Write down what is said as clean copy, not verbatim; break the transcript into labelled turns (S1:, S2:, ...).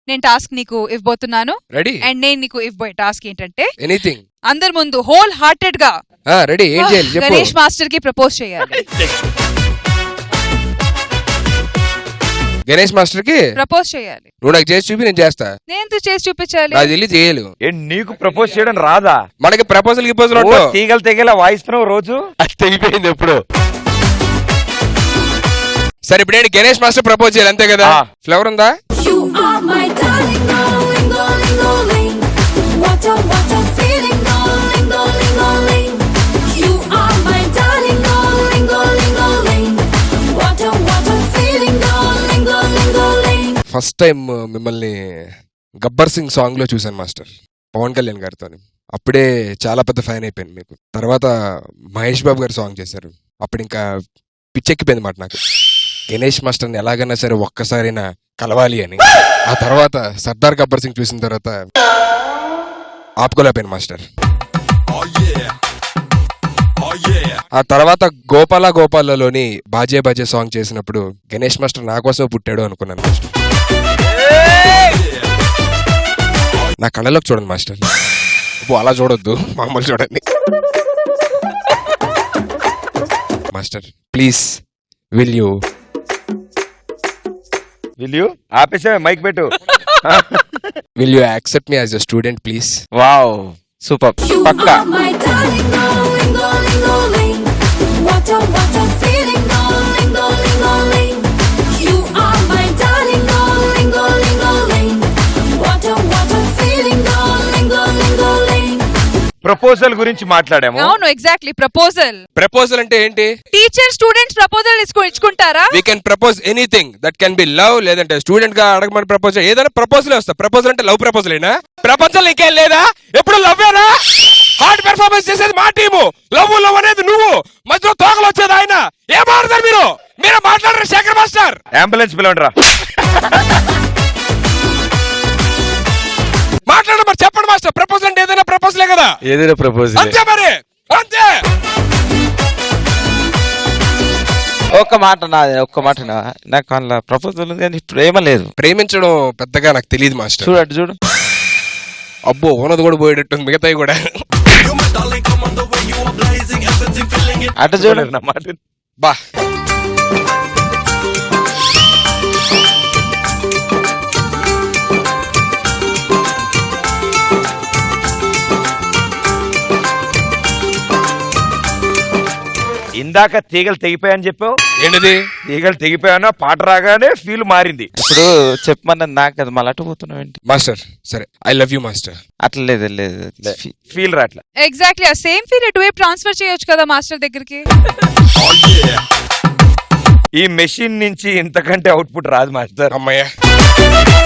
S1: నేను టాస్క్ నీకు ఇవ్వబోతున్నాను.
S2: రెడీ?
S1: అండ్ నేను నీకు ఇవ్వబోయే టాస్క్ ఏంటంటే
S2: ఎనీథింగ్
S1: అందరి ముందు హోల్ హార్టెడ్ గా
S2: రెడీ ఏం చేయాలి చెప్పు.
S1: గణేష్ మాస్టర్ కి ప్రపోజ్ చేయాలి.
S2: గణేష్ మాస్టర్ కి
S1: ప్రపోజ్ చేయాలి.
S2: నువ్వు నాకు చేసి చూపి నేను చేస్తా.
S1: నేను చేసి చూపించాలి.
S2: నాకు తెలియదు చేయలు.
S3: నీకు ప్రపోజ్ చేయడం రాదా?
S2: మనకి ప్రపోజల్
S3: తీగలు తెగేలా వాయిస్తున్నావు రోజు. అది తెగిపోయింది ఎప్పుడు.
S2: సరే ఇప్పుడు ఏంటి గణేష్ మాస్టర్ ప్రపోజ్ చేయాలి అంతే కదా. ఫ్లవర్ ఉందా? ఫస్ట్ టైం మిమ్మల్ని గబ్బర్ సింగ్ సాంగ్ లో చూసాను మాస్టర్, పవన్ కళ్యాణ్ గారితో. అప్పుడే చాలా పెద్ద ఫ్యాన్ అయిపోయాను మీకు. తర్వాత మహేష్ బాబు గారు సాంగ్ చేశారు, అప్పుడు ఇంకా పిచ్చెక్కిపోయింది మాట నాకు. గణేష్ మాస్టర్ని ఎలాగైనా సరే ఒక్కసారైనా కలవాలి అని. ఆ తర్వాత సర్దార్ గబ్బర్ సింగ్ చూసిన తర్వాత ఆపుకోలేకపోయాను మాస్టర్. ఆ తర్వాత గోపాల గోపాలలోని బాజే బాజే సాంగ్ చేసినప్పుడు గణేష్ మాస్టర్ నా కోసం పుట్టాడు అనుకున్నాను మాస్టర్. నా కళ్ళలోకి చూడండి మాస్టర్, అలా చూడొద్దు, మామూలు చూడండి మాస్టర్. ప్లీజ్ విల్ యూ
S3: ఆపేసా మైక్ పెట్టు.
S2: Will you accept me as a student please?
S3: Wow super. పక్కా. ప్రపోజల్ గురించి మాట్లాడాము.
S1: అవును, ఎగ్జాక్ట్లీ.
S2: ప్రపోజల్ అంటే ఏంటి?
S1: టీచర్ స్టూడెంట్స్ ప్రపోజల్ ఇచ్చుకుంటారా?
S2: We can propose anything that can be love, లేదంటే స్టూడెంట్ గా అడగమని ప్రపోజ్, ఏదైనా ప్రపోజల్ వస్తా. ప్రపోజల్ అంటే లవ్ ప్రపోజల్ అయినా? ప్రపంచంలో ఇంకేం లేదా? ఎప్పుడు లవ్వేనా? హార్డ్ పెర్ఫార్మెన్స్ చేసేది మా టీము, లవ్ అనేది నువ్వు, మధ్యలో తోకలు వచ్చేది ఆయన. ఏం మాట్లాడతారు మీరు? మీరే మాట్లాడరు శేఖర్ మాస్టర్.
S3: అంబులెన్స్ పిలవండి రా.
S2: మాట్లాడ మరి, చెప్పండి మాస్టర్. ప్రపోజల్ అంటే ఏదైనా ప్రపోజలే కదా?
S3: ఏదైనా ప్రపోజల్
S2: అంతే మరి, అంతే.
S3: ఒక్క మాట నాకు అలా ప్రపోజల్ ఉంది కానీ ప్రేమ లేదు.
S2: ప్రేమించడం పెద్దగా నాకు తెలియదు మాస్టర్.
S3: చూడు
S2: అబ్బో ఉన్నది కూడా పోయేటట్టు, మిగతాయి కూడా.
S3: అటు చూడండి నా మాట.
S2: బా
S3: ఇందాక తీగలు తెగిపోయాయని చెప్పావు.
S2: ఏంటిది?
S3: తీగలు తెగిపోయానా పాట రాగానే ఫీల్ మారింది. ఇప్పుడు చెప్పమన్నది నాకు అది మళ్ళీ అటు పోతున్నావు ఏంటి
S2: మాస్టర్? సరే, ఐ లవ్ యూ మాస్టర్.
S3: అట్లా లేదు ఫీల్ రాట్లా.
S1: ఎగ్జాక్ట్లీ, ఆ సేమ్ ఫీల్ ఎటువైపు ట్రాన్స్ఫర్ చేయొచ్చు కదా మాస్టర్ దగ్గరికి.
S3: ఈ మెషిన్ నుంచి ఇంతకంటే అవుట్పుట్ రాదు మాస్టర్.
S2: అమ్మయ్య.